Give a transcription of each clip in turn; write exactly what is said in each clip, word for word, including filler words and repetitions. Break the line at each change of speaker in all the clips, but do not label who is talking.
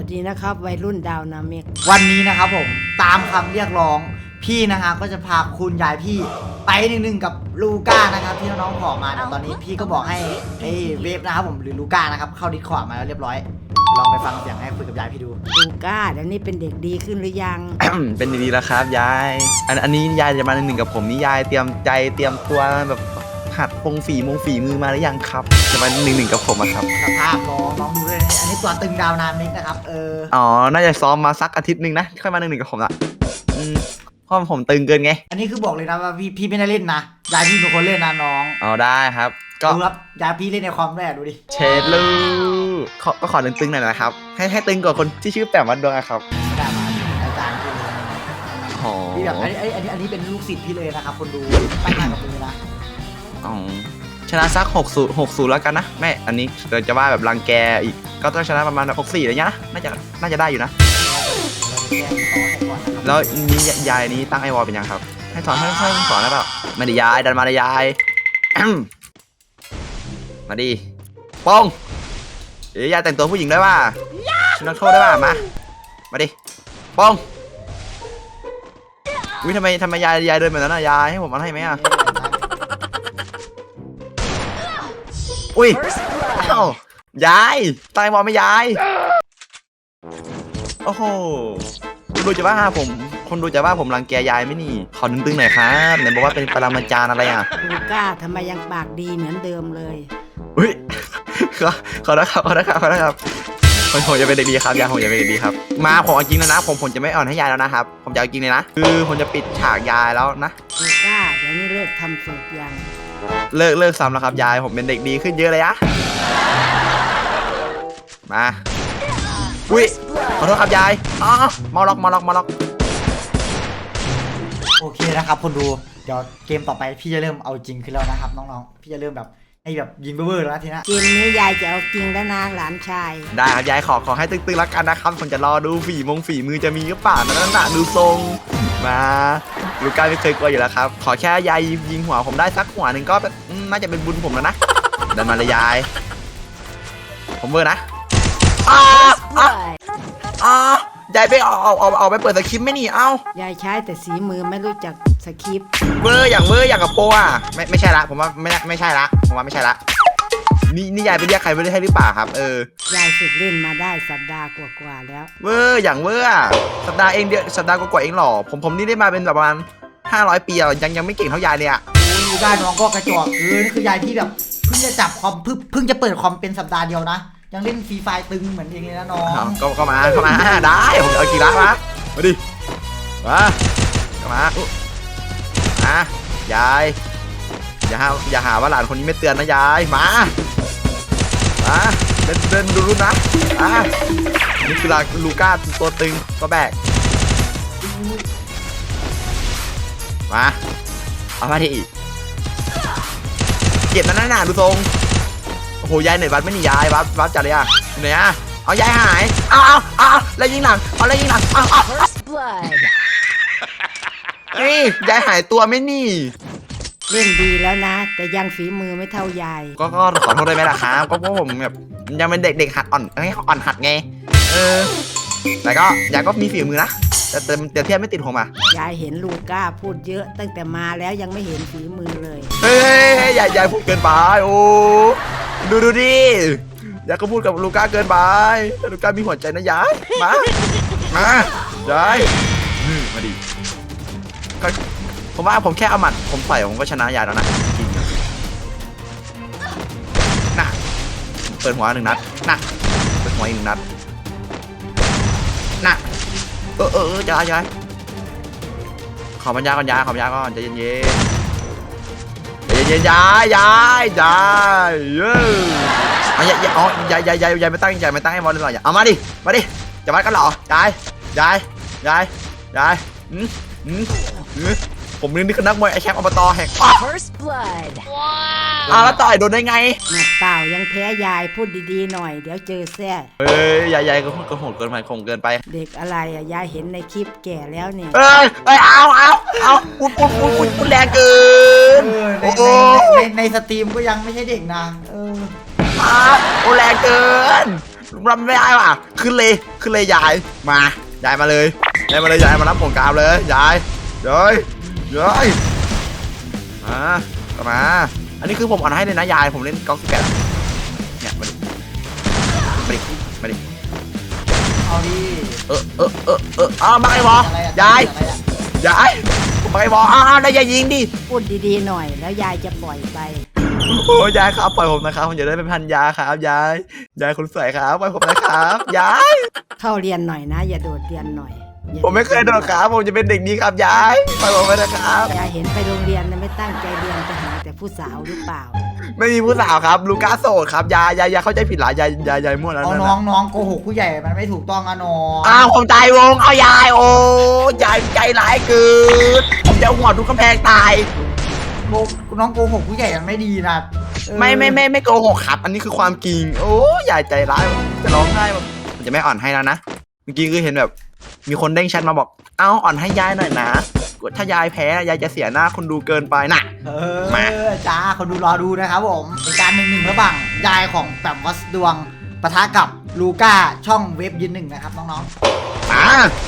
วัสดีนะครับวัยรุ่นดาวนาเมก
วันนี้นะครับผมตามคำเรียกร้องพี่นะฮะก็จะพาคุณยายพี่ไปหนึ่งหนึ่งกับลูก้านะครับที่น้องๆขอมาเนี่ยตอนนี้พี่ก็บอกให้ไอ้เวฟนะครับผมหรือลูก้านะครับเข้าดิสคอร์ดมาแล้วเรียบร้อยลองไปฟังเสียงให้คุยกับยายพี่ดู
ลูก้าเดี๋ยวนี้เป็นเด็กดีขึ้นหรือยัง
เป็นดีๆแล้วครับยายอันอันนี้ยายจะมาหนึ่งกับผมนี่ยายเตรียมใจเตรียมตัวแบบหัดพงฝีมงฝีมือมาหรือยังครับจะมาหนึ่งหนึ่งกับผมอะครับ
สภาพน้องน้องดูเลยอันนี้ตัวตึงดาวนามิกนะครับเออ
อ๋อน่าจะซ้อมมาสักอาทิตย์หนึ่งนะค่อยมาหนึ่งหนึ่งกับผมละอืมเพราะผมตึงเกินไง
อันนี้คือบอกเลยนะว่าพี่พี่ไม่ได้เล่นนะยายพี่เป็นคนเล่นนะน้อง
อ๋อได้ครับก็
ดูครับยายพี่เล่นในคอมแรกดูดิ
เชดลูขอก็ขอตึงๆหน่อยนะครับให้ให้ตึงกว่าคนที่ชื่อแปมวัดดวงครับ
ได้มาอาจารย์พี่เลยพี่แบบอันนี้อันนี้อันนี้เป็นลูกศิษย์พี่เลยนะครับคนดูตั้งหน้ากับมือนะ
อ๋อชนะสักหกศูนย์หกศูนย์แล้วกันนะแม่อันนี้เราจะว่าแบบรังแกอีกก็ต้องชนะประมาณหกสี่อะไรเงี้ยนะน่าจะน่าจะได้อยู่นะแล้วนี้ยายนี้ตั้งไอวอลเป็นยังครับให้สอนให้ให้สอนได้เปล่ามาดิยายดันมาดิยายมาดิป้องเดี๋ยวยายแต่งตัวผู้หญิงได้ป่ะฉันนักโทษได้ป่ะมามาดิป้องวิทำไมทำไมยายยายเดินแบบนั้นนะยายให้ผมเอาให้ไหมอ่ะอุ้ยอ้าวยายตายมอไม่ยายโอ้โหคนดูจะว่าผมคนดูจะว่าผมรังแกยายไหมนี่ขอตึงๆหน่อยครับไหนบอกว่าเป็นปรมาจารย์อะไรอ่ะ
ลูก้าทำไมยังปากดีเหมือนเดิมเลย
อุ้ยขอขอนะครับขอนะครับขอนะครับผมผมจะเป็นเด็กดีครับยายผมจะเป็นเด็กดีครับมาผมจริงแล้วนะผมผมจะไม่อ่อนให้ยายแล้วนะครับผมจะเอาจริงเลยนะคือผมจะปิดฉากยายแล้วนะ
ลูก้าเดี๋ยวนี้เลิกทำสูตรยัง
เลิกเลิกซ้ำแล้วครับยายผมเป็นเด็กดีขึ้นเยอะเลยอะมาอุ้ยขอโทษครับยายอ๋อมาล็อกมาล็อกมาล็อก
โอเคนะครับคนดูเดี๋ยวเกมต่อไปพี่จะเริ่มเอาจริงขึ้นแล้วนะครับน้องๆพี่จะเริ่มแบบให้แบบยิงเบอร์แล้วทีนะ
เกมนี้ยายจะเอาจริงแล้วนะหลานชาย
ได้ครับยายขอขอให้ตึงๆแล้วกันนะครับผมจะรอดูฝีมงฝีมือจะมีหรือเปล่านั่นน่ะดูทรงมาลูก้าไม่เคยกลัวอยู่แล้วครับขอแค่ยายยิงหัวผมได้สักหัวหนึ่งก็น่าจะเป็นบุญผมแล้วนะเดินมาเลยยายผมเบอร์นะอ้าอ้ายายไปเอาเอาเอาเอาไปเปิดสคริปต์ไม่นี่เอ้าย
ายใช้แต่สีมือไม่รู้จักสคริปต์
เบอร์อย่างเบอร์อย่างกับโปอ่ะไม่ไม่ใช่ละผมว่าไม่ไม่ใช่ละผมว่าไม่ใช่ละนี่นี่ยายไปเรียกใครไม่ได้ให้หรือเปล่าครับเออย
ายฝึกเล่นมาได้สัปดาห์กว่าๆแล้ว
เบอร์อย่างเบอร์สัปดาห์เองเดียวสัปดาห์กว่าๆเองหรอผมผมนี่ได้มาเป็นแบบประมาณห้าร้อยปีอ่ะยังยังไม่เก่งเท่ายายเลยอ่ะ
ดูได้น้องก็กระจอกเออนี่คือยายที่แบบเพิ่งจะจับคอมเพิ่งเพิ่งจะเปิดคอมเป็นสัปดาห์เดียวนะยังเล่นฟรีไฟตึงเหมือนเองเลยนะน้อง
ก็ก็มาเข้ามาได้ผมจะเอากี่ล้านมามาดิมาเข้ามาอ่ะยายอย่าหาอย่าหาว่าหลานคนนี้ไม่เตือนนะยายมามาเดินเดินดูรุ่นนะอ่ะนี่คือลูก้าตัวตึงตัวแบกมาเอามาดิเก็บนั่นน่ะดูทรงโอ้โหยายเหนื่อยวัดไม่หนียายวัดวัดจัดเลยอ่ะเหนื่อยอ่ะเอายายหายเอาเอาเอาแล้วยิงหลังเอาแล้วยิงหลังเอาเอาเฮ้ยยายหายตัวไม่นี่
เล่นดีแล้วนะแต่ยังฝีมือไม่เท่ายาย
ก็ก็ขอโทษได้ไหมล่ะครับก็เพราะผมแบบยังเป็นเด็กเด็กหัดอ่อนให้อ่อนหัดไงเออแต่ก็ยายก็มีฝีมือนะแต่แต่แต่เทียบไม่ติดผมอ่ะ
ยายเห็นลูก้าพูดเยอะตั้งแต่มาแล้วยังไม่เห็นฝีมือเลย
เฮ้ยยายยายพูดเกินไปโอ้ดูดูดิยายก็พูดกับลูก้าเกินไปแต่ลูก้ามีหัวใจนะยายมามายายมาดิผมว่าผมแค่เอาหมัดผมต่อยผมก็ชนะยายแล้วนะจริงนะเปิดหัวหนึ่งนัดนะเปิดหัวอีกหนึ่งนัดนะเออเออเออยายยายขอปัญญาก่อนยายขอปัญญาก่อนใจเย็นเย็นใจเย็นยายยายยายเย้อ๋อยายอ๋อยายยายยายยายไม่ตั้งยายไม่ตั้งให้บอลเลยหรอเอามาดิมาดิจะวัดกันหรอยายยายยายยายอืมอืมอืมผมนี่คือนักมวยไอแชมป์อบตแห่ง
First Blood
อ้าวแล้วต่อยโดนได้ไง
หนักเปล่ายังแพ้ยายพูดดีๆหน่อยเดี๋ยวเจอแซ่
เอ้ยยายยายก็พูดก็โหดเกินไปคงเกินไป
เด็กอะไรอ่ะยายเห็นในคลิปแก่แล้วเนี่ย
เอ้ยเอ้ยเอาเอาเอาพูดพูดพูดพูดพูดแรงเกิน
โอ้โหในในสตรีมก็ยังไม่ใช่เด็กนะเออ
โอ้แรงเกินรับไม่ได้ว่ะขึ้นเลยขึ้นเลยยายมายายมาเลยยายมาเลยยายมารับผลกราบเลยยายยายยายมากลับมาอันนี้คือผมอ่อนให้เลยนะยายผมเล่นก๊อกสิบแปดเนี่ยมาดิมาดิมาดิ
เอาดิ
เออเออเออเอออ้าวมาไอ้บอ
อะไรอะ
ยาย
อะไรอะ
ยายผมมาไอ้บออ้าวแล้วยายยิงดิ
พูดดีๆหน่อยแล้วยายจะปล่อยไป
โอ้ยายครับปล่อยผมนะครับผมจะได้เป็นพันยาครับยายยายคนสวยครับปล่อยผมนะครับยาย
เข้าเรียนหน่อยนะ อย่าโดดเรียนหน่อยอย่า
ผมไม่เคยโดนครับผมจะเป็นเด็กดีครับยายปล่อยผมไปนะครับ
ยายเห็นไปโรงเรียนนะไม่ตั้งใจเรียนจะหาแต่ผู้สาวหรือเปล่า
ไม่มีผู้สาวครับลูก้าโสดครับยายยายยายเข้าใจผิดหลายยายยายยายมั่วแล้ว
เอา
นั่น
น้อง
น่ะ
น้องโกหกผู้ใหญ่มันไม่ถูกต้องอะน้อง
อ้าวผมตายวงเอายายโอ้ยายใจร้ายเกินผมจะเอาหัวทุกกำแพงตาย
โกน้องโกหกผู้ใหญ่มันไม่ดีนะเออ
ไม่ไม่ไม่ไม่โกหกครับ อันนี้คือความจริงโอ้ยายใจร้ายจะร้องไห้ผมจะไม่อ่อนให้แล้วนะเมื่อกี้คือเห็นแบบมีคนเด้งแชทมาบอกเอาอ่อนให้ยายหน่อยนะถ้ายายแพ้ยายจะเสียหน้าคนดูเกินไปน่ะ
เอ
มา
อจ้าคนดูรอดูนะครับผมเป็นการหนึ่งหนึ่งระหว่างยายของแปมวัสดวงปะทะกับลูก้าช่องเว็บยืนหนึ่งนะครับน้อง
มา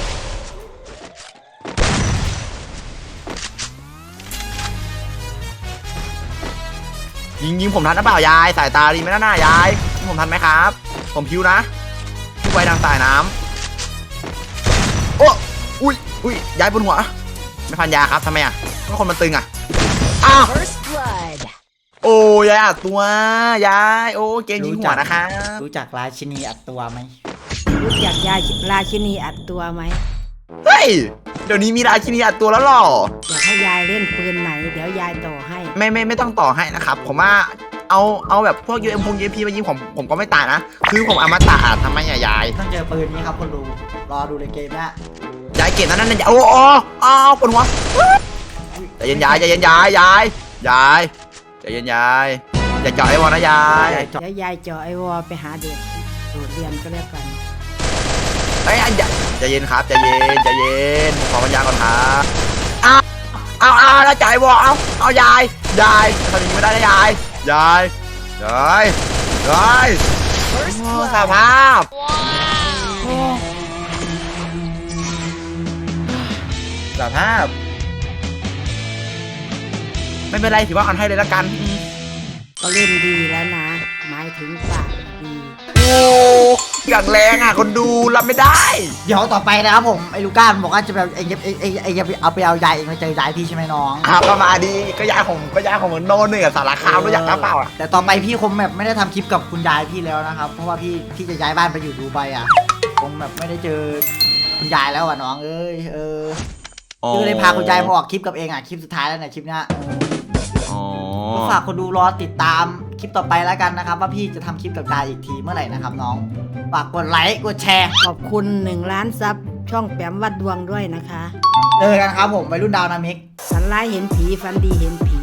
ยิงยิงผมทันหรือเปล่ายายสายตาดีไหมนะหน้ายายยิงผมทันไหมครับ ผมพิวนะพิวไวทางสายน้ำโอ้อุ้ยอุ้ยยายบนหัวไม่พันยาครับทำไมอ่ะก็คนมันตึงอ่ะอ้าว
First blood.
โอ้ยายอัดตัวยายโอ้เกมยิงหัวนะคะ
ๆรู้จักราชินีอัดตัวไหม
รู้จักยายราชินีอัดตัวไหม
เฮ้ยเดี๋ยวนี้มีราชินีอัดตัวแล้วหรอ
อยากให้ยายเล่นปืนไหน เดี๋ยวยายต่อให้
ไม่ไม่ไม่ต้องต่อให้นะครับผมว่าเอาเอาแบบพวกยูเอ็มพงยูเอ็มพีมายิงผมผมก็ไม่ตายนะคือผมอมตะอะทำไมอะยาย
ต้องเจอปืนนี้ครับคนดูรอดูในเกมนะ
ยายเก่งนั่นนั่นโอ้โอ้อ้าวปวดหัวใจเย็นยายใจเย็นยายยายยายใจเย็นยายอย่าเจาะไอ้วอลนะยาย
ยายจบ
แล้วยายเจาะไอวอไปหาเด็กโดดเรียนก็แล้วกัน
ไอ้ยอย่าใจเย็นครับใจเย็นใจเย็นขอปัญญาก่อนครับอ้าวเอาเอาแล้วจ่ายวอลเอาเอายายยายทำอย่างนี้ไม่ได้นะยายยายยายยาย
First
โอ้
blood.
สภาพสภาพ ไม่เป็นไรถือว่าอ่อนให้เลยละกัน
ก็เล่นดีแล้วนะ หมายถึงปากดี
โอ้อย่างแรงอ่ะคนดูรับไม่ได้
เดี๋ยวต่อไปนะครับผมไอ้ลูก้ามันบอกว่าจะแบบไอ้เย็บไอ้ไอ้ไอ้เย็บเอาไปเอายายเองมาเจอยายพี่ใช่ไหมน้อง
อ้าวก็มาดีก็ยายผมก็ยายผมเหมือนโนนหนึ่งอะสารคามรู้จักหรือเปล่าอ่ะ
แต่ต่อไปพี่คงแบบไม่ได้ทำคลิปกับคุณยายพี่แล้วนะครับเพราะว่าพี่พี่จะย้ายบ้านไปอยู่ดูไบอ่ะคงแบบไม่ได้เจอคุณยายแล้วอ่ะน้องเอ้ยเออพี่ก็เลยพาคุณยายมาออกคลิปกับเองอ่ะคลิปสุดท้ายแล้วเนี่ยคลิปเนี้ยเออ
อ๋อ
ก็ฝากคนดูรอติดตามคลิปต่อไปแล้วกันนะครับว่าพี่จะทำคลิปกับยายอีกทีเมื่อไหร่นะครับน้องฝากกดไลค์กดแชร์
ขอบคุณหนึ่งล้านซับช่องแปมวัดดวงด้วยนะคะ
เจอกันครับผมวัยรุ่นดาวนามิก
ฝันร้ายเห็นผีฝันดีเห็นผี